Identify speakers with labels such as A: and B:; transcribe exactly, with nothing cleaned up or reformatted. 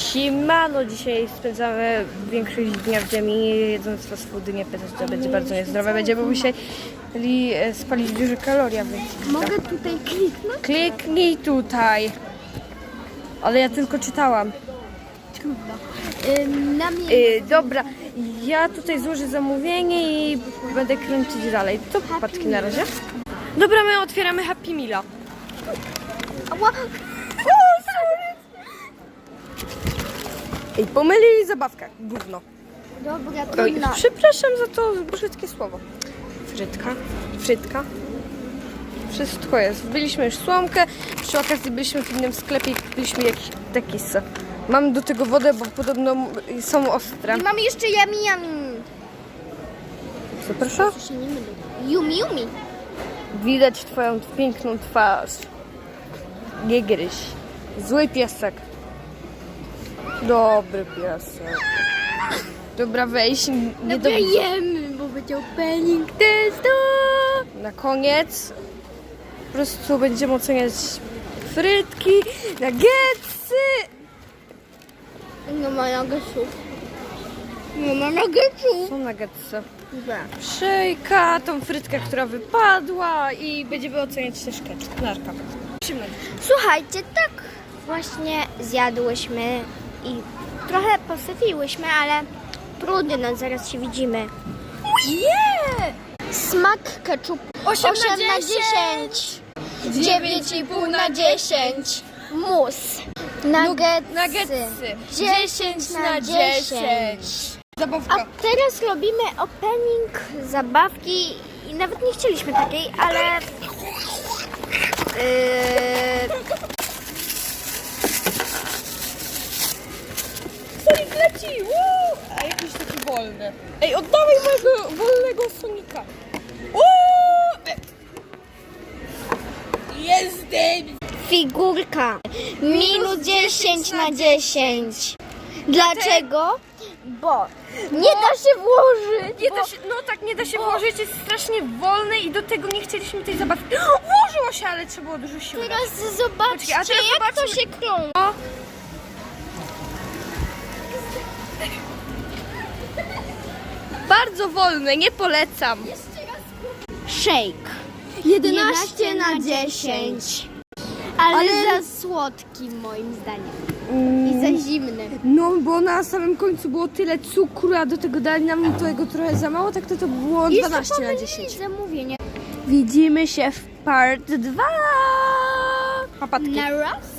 A: Siemano, dzisiaj spędzamy większość dnia w ziemi, jedząc fast foody, nie pytać, to będzie bardzo niezdrowe. Będziemy musieli spalić dużo kalorii, więc...
B: Mogę tutaj kliknąć?
A: Kliknij tutaj. Ale ja tylko czytałam.
B: Trudno. Ym, na mnie...
A: Yy, dobra, ja tutaj złożę zamówienie i będę kręcić dalej. To popatrzki na razie. Dobra, my otwieramy Happy Meala.
B: Ała.
A: Ej, pomylili zabawkę. Gówno.
B: Dobra,
A: Oj,
B: trudno.
A: przepraszam za to brzydkie słowo. Frytka, frytka. Wszystko jest. Byliśmy już słomkę. Przy okazji byliśmy w innym sklepie i kupiliśmy jakiś taki s. Mam do tego wodę, bo podobno są ostre.
B: I mamy jeszcze yummy yummy.
A: Co proszę?
B: Się nie mylę. Yumi yumi.
A: Widać twoją piękną twarz. Nie gryź. Zły piesek. Dobry piesek. Dobra, weź. Nie do...
B: Jemy, bo będzie opening testu.
A: Na koniec po prostu będziemy oceniać frytki, nuggetsy.
B: Nie ma nuggetsów. Nie ma nuggetsów.
A: Są nuggetsy. Szyjka, tą frytkę, która wypadła i będziemy oceniać też ketchup. Narka.
B: Słuchajcie, tak właśnie zjadłyśmy i trochę posypiłyśmy, ale trudno, no zaraz się widzimy. Nie! Smak ketchup osiem na dziesięć. dziewięć i pół na dziesięć. Mus. Nuggetsy.
A: Nuggetsy.
B: dziesięć na dziesięć.
A: Zabawka.
B: A teraz robimy opening zabawki i nawet nie chcieliśmy takiej, ale... Yy...
A: Sonic leci! Woo! A jakiś taki wolny. Ej, oddawaj mojego wolnego Sonika. Woo! Jestem!
B: Figurka minus dziesięć na dziesięć. Dlaczego? Bo nie da się włożyć.
A: Nie
B: bo...
A: da się, no tak, nie da się włożyć, jest strasznie wolny i do tego nie chcieliśmy tej zabawki. Włożyło się, ale trzeba było dużo siły.
B: Teraz zobaczcie,
A: Poczekaj, a teraz
B: jak to
A: zobaczmy.
B: się krąży.
A: O. Bardzo wolne, nie polecam.
B: Shake. jedenaście na dziesięć. Ale,
A: Ale-
B: za słodki moim zdaniem.
A: Mm,
B: I za zimny.
A: No, bo na samym końcu było tyle cukru, a do tego dali nam tego trochę za mało, tak to to było dwanaście na dziesięć.
B: Zamówienie.
A: Widzimy się w part dwa. Papatki.
B: Na raz.